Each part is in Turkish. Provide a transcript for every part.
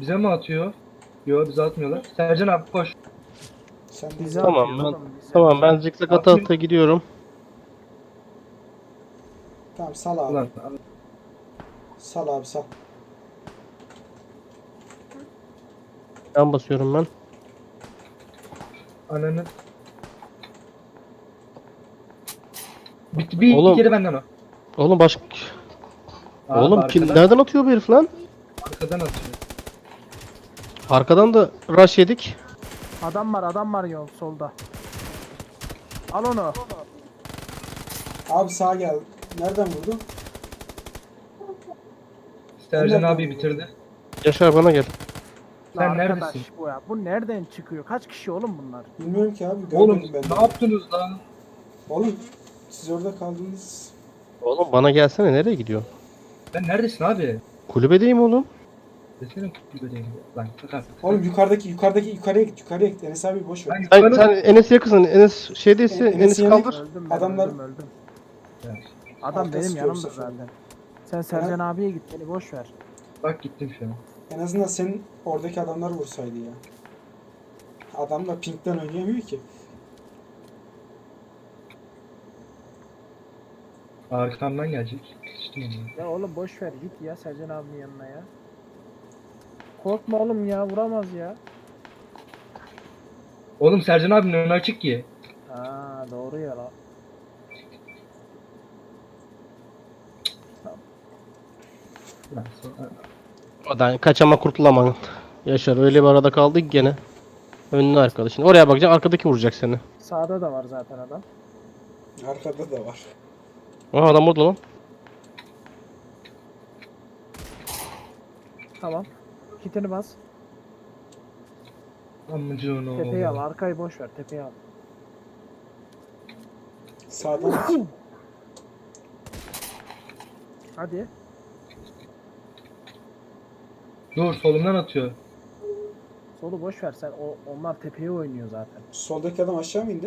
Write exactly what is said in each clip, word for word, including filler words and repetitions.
Bize mi atıyor? Yok bize atmıyorlar. Sercan abi koş. Sen de Bize izle. Tamam atıyor ben oğlum bize. tamam ben zikzak ata ata gidiyorum. Tamam sal abi. Ulan Sal abi sal. Ben basıyorum ben. ananı. Bir, bir, Oğlum. bir kere benden o. Oğlum başka Abi Oğlum kim arkadan, nereden atıyor bu herif lan? arkadan atıyor. Arkadan da rush yedik. Adam var adam var yol solda. Al onu. Abi sağa gel. Nereden vurdun? Sercan Nereden abi vurdun? bitirdi. Yaşar bana gel. Sen Lan arkadaş neredesin? bu ya. Bu nereden çıkıyor? Kaç kişi oğlum bunlar? Bilmiyorum ki abi. Oğlum Görmedim ben de. ne yaptınız lan? Oğlum siz orada kaldınız. Oğlum bana gelsene, nereye gidiyor? Ben neredesin abi? Kulübedeyim oğlum. Desene kulübedeyim. Lan kalk artık. Oğlum yukarıdaki yukarıdaki yukarıya git. Yukarıya git. Enes abi boş ver. Ben Sen, yukarı... sen Enes'e yakınsın. Enes şeydeyse En- Enes Enes'in yanına kaldır. Öldüm ben Adamlar- öldüm öldüm. Ya, Adam Arka benim sıkıyor bu yanımda sefer. zaten. Sen Sercan abiye git beni boş ver. bak gittim şu an. En azından senin oradaki adamlar vursaydı ya. Adamlar pinkten oynayamıyor ki. Arkamdan gelecek. Sıçtım onu. Ya oğlum boş ver git ya Sercan abinin yanına ya. Korkma oğlum ya vuramaz ya. Oğlum Sercan abinin önü açık ki. Aa doğru ya lan. Lan sonra- Odan kaçama kurtulamam. Yaşar öyle bir arada kaldık gene. Önüne arkadaşın. Oraya bakacaksın, arkadaki vuracak seni. Sağda da var zaten adam. Arkada da var. Aha adam orada lan. Tamam. Kitini bas. Amcığını Tepeyi al. oğlum. Arkayı boş ver. Tepeyi al. Sağdan aç. Hadi. Dur solumdan atıyor. Solu boş ver sen. O, onlar tepeye oynuyor zaten. Soldaki adam aşağı mı indi?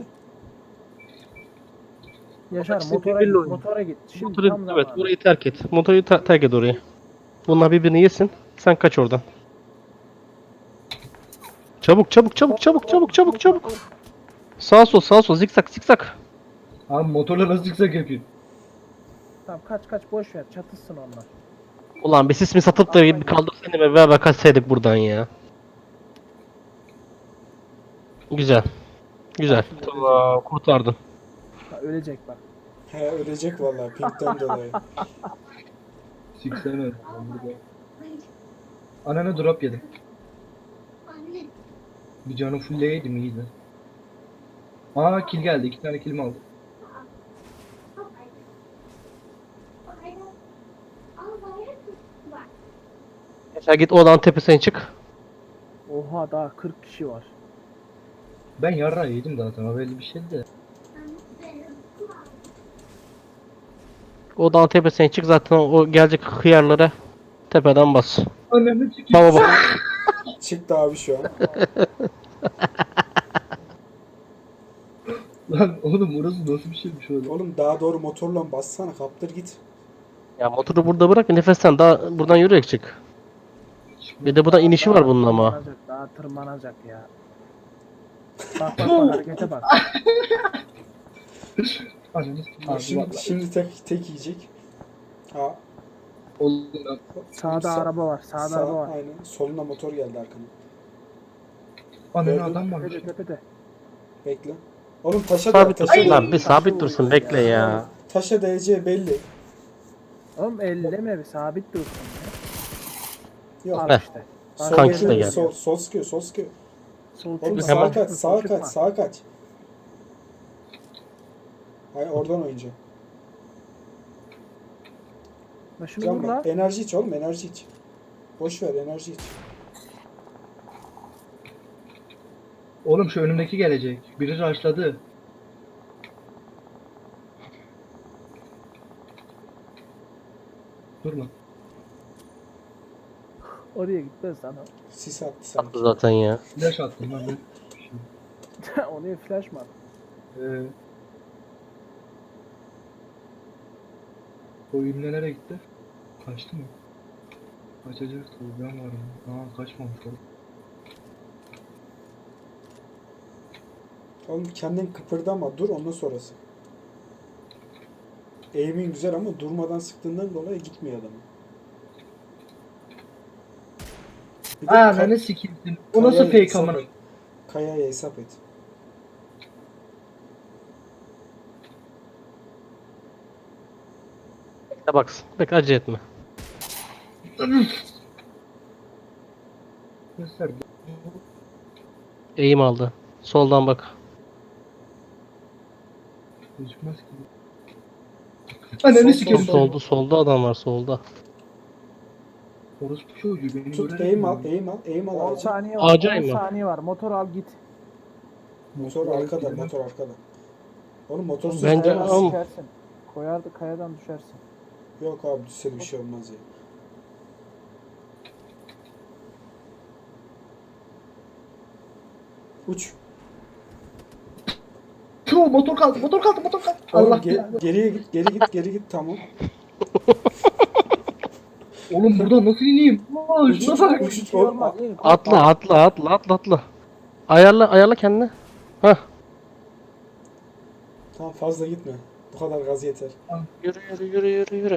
Yaşar İkisi motora birbiriyle git. oynuyor. Motora git. Şimdi Motoru, tam evet, zamanı. orayı terk et. Motoru ta- terk et orayı. Bunlar birbirini yesin. Sen kaç oradan. Çabuk çabuk çabuk çabuk çabuk çabuk çabuk. Sağ sol sağ sol zikzak zikzak. Abi motorla nasıl çıksak yapayım? Tamam kaç kaç boş ver. Çatışsın onlar. Ulan bir sis mi satıp da bir kaldırsaydım ve beraber kaçsaydık buradan ya. Güzel. Güzel. Tamam, kurtardın. Ha, ölecek bak. He ölecek vallahi pinkten dolayı. Siksene. Anana drop yedim. Bir canı fullleydim iyiydi. Aa kill geldi. İki tane kill aldım. Yaşar git odanın tepesine çık. Oha daha kırk kişi var. Ben yarrağı yedim zaten. O belli bir şeydi de. Odanın tepesine çık, zaten o gelecek hıyarlara tepeden bas. Ananı çıkayım. Baba bak. Çıktı abi şu an. Lan oğlum orası nasıl bir şeymiş öyle? Oğlum daha doğru motorla bassana kaptır git. Ya motoru burada bırak, nefesten daha buradan yürüyerek çık. Bir de buradan inişi var bunun ama. Tırmanacak, daha tırmanacak ya. Bak bak bak harekete bak. Ananı Bak sikeyim. şimdi, şimdi tek tek yiyecek. Ha, Oğlum lan. Sağda Sağ- araba var. Sağda sağ, araba var. aynen. Soluna motor geldi arkana. Ananı Gördün adam varmış. Tepede tepede. Bekle. Oğlum taşa da Sabit taşa dursun da. lan, bir sabit dursun, bekle ya. Taşa değeceği belli. Oğlum elleme bir sabit dursun ya. Yok. Al Heh. işte. Sol, Başka Kankisi de yere geldi. sol, sol sıkıyor, sol sıkıyor. Sol Oğlum çıkma. sağa Hemen. kaç, Sol sağa çıkma. kaç, sağa kaç. Hayır oradan oynayacağım. Lan şunu Can vur bak, la. enerji iç oğlum, enerji iç. Boş ver, enerji iç. Oğlum şu önümdeki gelecek. Biri rushladı. Durma. Oraya gitmez lan o. Sis attı Attı sanki. zaten ya. Flash attım lan ben. Oraya flash mı attın? Ee, o ünlü nereye gitti? Kaçtı mı? Kaçacak tabii ben varım. Aa kaçmamış oğlum. Oğlum kendin kıpırdama, dur, ondan sonrası. Aim'in güzel ama durmadan sıktığından dolayı gitmiyor adamı. Bir de Aa ka- ne sikildin. O nasıl kayaya fake hesap amına? et. Kayaya hesap et. Bekle baksın. Bekle acele etme. Göster. Eğim aldı. Soldan bak. Gözükmez ki. Ananı Sol, sikerim. sol, Solda solda adam var solda. Orospu çocuğu beni Tut, görerek aim mi al, öldü? aim al, aim al on ağacı. saniye var. Ağaca on inme. saniye var. Motor al git. Motor Motor arkada, gidemem. motor arkada. Oğlum motorsuz Bence gidemezsin. ama- Düşersin. Koyardı kayadan düşersin. Yok abi, düşse de bir şey olmaz ya. Uç. Tüh, motor kaldı, motor kaldı, motor kaldı. Oğlum Allah ge- belanı. geriye git, geri git, geri git, tamam. Oğlum buradan nasıl ineyim? Aa, Uç, şuna uç, bak. uç, Bir uç, şey oğlum. olmaz. İn, korkma. Atla atla atla atla atla. Ayarla ayarla kendini. Hah. Tamam, fazla gitme. Bu kadar gaz yeter. Yürü yürü yürü yürü yürü.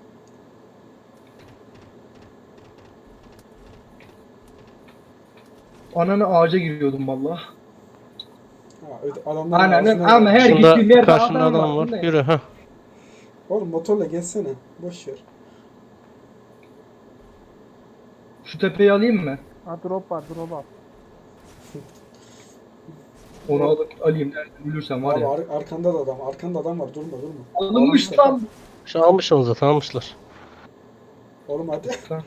Ananı ağaca giriyordum valla. Ha, öde- adamlar Ananın ağzına ama ver. her Karşında, gittiğim yerde karşında adam adam var. var. Bu ne? Yürü ha. Oğlum motorla geçsene. Boş ver. Şu tepeyi alayım mı? Ha drop var drop al. Onu alıp alayım derdim ölürsem var Abi ya. ar- arkanda da adam, arkanda adam var. Durma, durma. Alınmış lan. Şu almışsınız zaten almışlar. Oğlum hadi. Lan.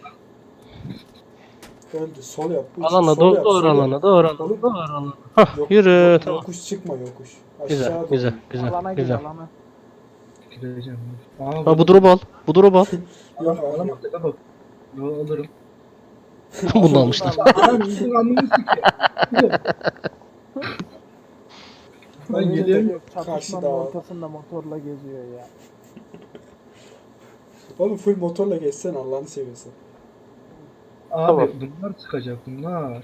Öldü. Sol yap. Uç, Alana sol doğru yap, doğru sol yap. alana doğru alana Oğlum. doğru alana. Hah Yok- yürü yok- tamam. Yokuş çıkma, yokuş. Aşağı Güzel doğru. güzel güzel Alana gir güzel. alana. Gireceğim. Aa, Ha bu drop'u al. Bu drop'u al. Yok abi, Alamam yok. tepe bak. Yo alırım. Bunu da almışlar. Anam yüzün anını sikeyim. Ben Öyle geliyorum. de yok, Çatışmanın Karşıda. ortasında motorla geziyor ya. Oğlum full motorla geçsen Allah'ını seviyorsun. Abi Tamam. bunlar çıkacak bunlar.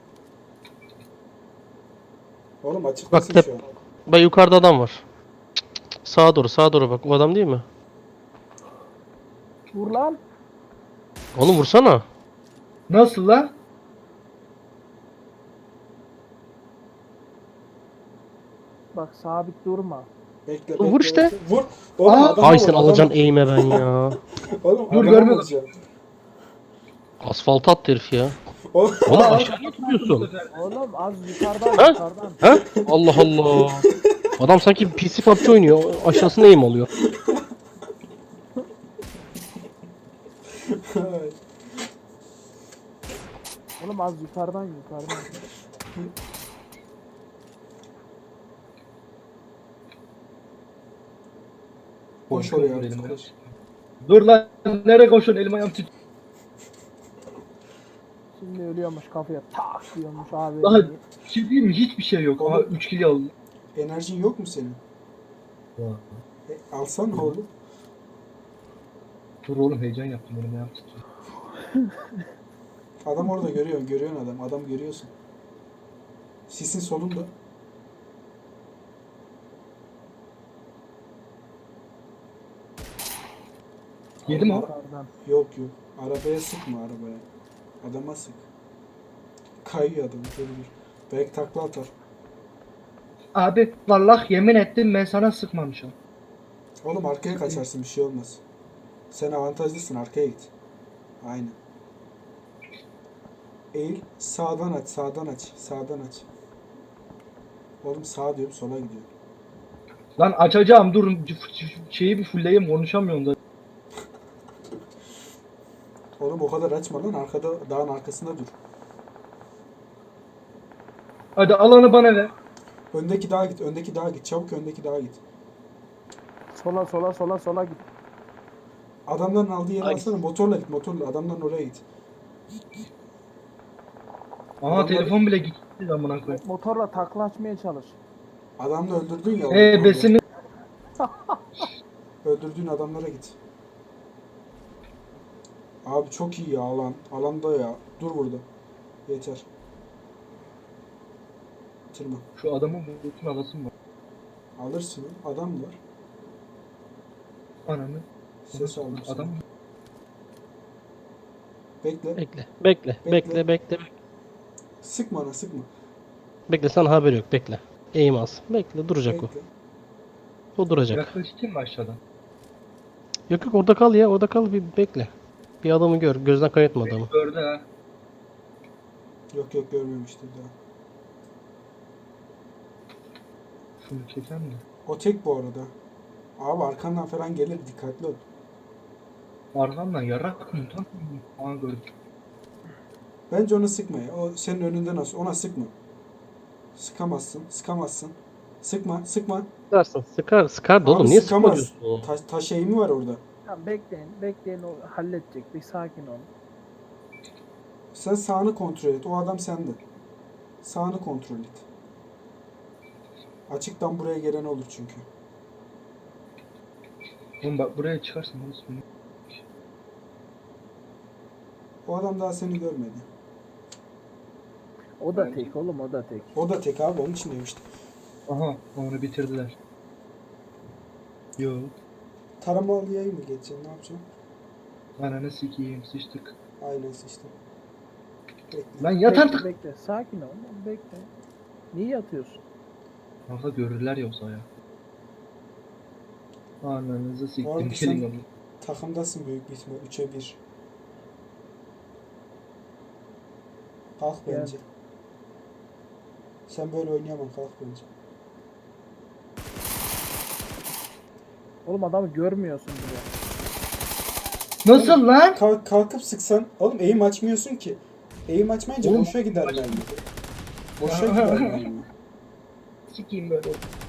Oğlum açıktasın Bak, şu an. Bak yukarıda adam var. Cık, cık, cık. Sağa doğru sağa doğru bak. O adam değil mi? Vur lan. Onu vursana. Nasıl lan? Bak sabit durma. Bekle, Vur bekle, işte. bekle. Vur. Oğlum Aa, adama Ay vur, sen adama- alacaksın eğime ben ya. Oğlum Dur, adama görmedim. vuracaksın. Asfalt attı herif ya. Oğlum, Oğlum Aa, aşağı tutuyorsun. Oğlum az yukarıdan Ha? yukarıdan. Ha? Allah Allah. Adam sanki P C P U B G oynuyor. Aşağısına eğim alıyor. Oğlum az yukarıdan yukarıdan. koş Korkuyorum oraya elim artık, ayağım. koş. Dur lan nereye koşuyorsun elim ayağım tut. Şimdi ölüyormuş kafaya tak diyormuş abi. Daha bir şey diyeyim mi? Hiçbir şey yok. Aha Oğlum. üç kilo aldım. Enerjin yok mu senin? E, alsana oğlum. Dur oğlum heyecan yaptım elim ayağım tutuyor. Adam orada görüyor, görüyorsun adam. Adam görüyorsun. Sisin solunda. Yedi mi o? Yukarıdan. Yok yok. Arabaya sıkma arabaya. Adama sık. Kayıyor adam. Dur dur. Belki takla atar. Abi vallahi yemin ettim ben sana sıkmamışım. Oğlum arkaya kaçarsın, bir şey olmaz. Sen avantajlısın, arkaya git. Aynen. Eğil, sağdan aç, sağdan aç, sağdan aç. Oğlum sağ diyorum, sola gidiyor. Lan açacağım dur şeyi bir fullleyeyim konuşamıyorum da. Oğlum o kadar açma lan, arkada, dağın arkasında dur. Hadi alanı bana ver. Öndeki dağa git, öndeki dağa git, çabuk öndeki dağa git. Sola sola sola sola git. Adamların aldığı yere Ay. alsana, motorla git, motorla, adamların oraya git. Aha Adamlar- telefon bile gitti amına koyayım. Motorla takla açmaya çalış. Adamla öldürdün ya. Eee orada. besini Öldürdüğün adamlara git. Abi çok iyi ya alan. Alanda ya. Dur burada. Yeter. Bitirme. Şu adamın bütün alasım var. Alırsın. Adam var. Ananı. Ses aldım. Adam Adam. Bekle. Bekle. Bekle. Bekle. Bekle. Bekle. Sıkma ana sıkma. Bekle, sana haber yok. Bekle. Eğim az. Bekle, duracak Bekle. o. O duracak. yaklaştın mı aşağıdan? Yok yok, orada kal ya. Orada kal, bir bekle. Bir adamı gör. Gözden kaybetme adamı. Gördü ha. Yok yok görmemiştir daha. Şunu çeken mi? O tek bu arada. Abi arkandan falan gelir dikkatli ol. Arkamdan yarak mı? Tam mı? Aa gördüm. Bence onu sıkma ya. O senin önünde nasıl? Ona sıkma. Sıkamazsın. Sıkamazsın. Sıkma. Sıkma. Sıkarsın. Sıkar. Sıkar da Abi oğlum. Niye sıkamaz. sıkma diyorsun? Taş, taş eğimi var orada. Tamam bekleyin. Bekleyin, o halledecek. Bir sakin olun. Sen sağını kontrol et. O adam sende. Sağını kontrol et. Açıktan buraya gelen olur çünkü. Oğlum bak buraya çıkarsın. Nasıl bunu? O adam daha seni görmedi. O da Bence- tek oğlum, o da tek. O da tek abi onun için demiştim. Aha onu bitirdiler. Yo. Taramalı yayı mı geçeceksin? Ne yapacaksın? Ananı sikeyim sıçtık. Aynen işte. Bekle. Lan yat Bekle, artık. Bekle. Sakin ol. Bekle. Niye yatıyorsun? Kanka görürler yoksa ya. Ananızı Bu siktim. arada Gelin sen- onu. Takımdasın büyük bir ihtimal. üçe bir. Kalk Gel. bence. Sen böyle oynayamam. Kalk bence. Oğlum adamı görmüyorsun bile. Nasıl lan? Kalk, kalkıp sıksan. Oğlum eğim açmıyorsun ki. Eğim açmayınca Oğlum, boşa gider mermi. Boşa gider mermi. Sikeyim böyle.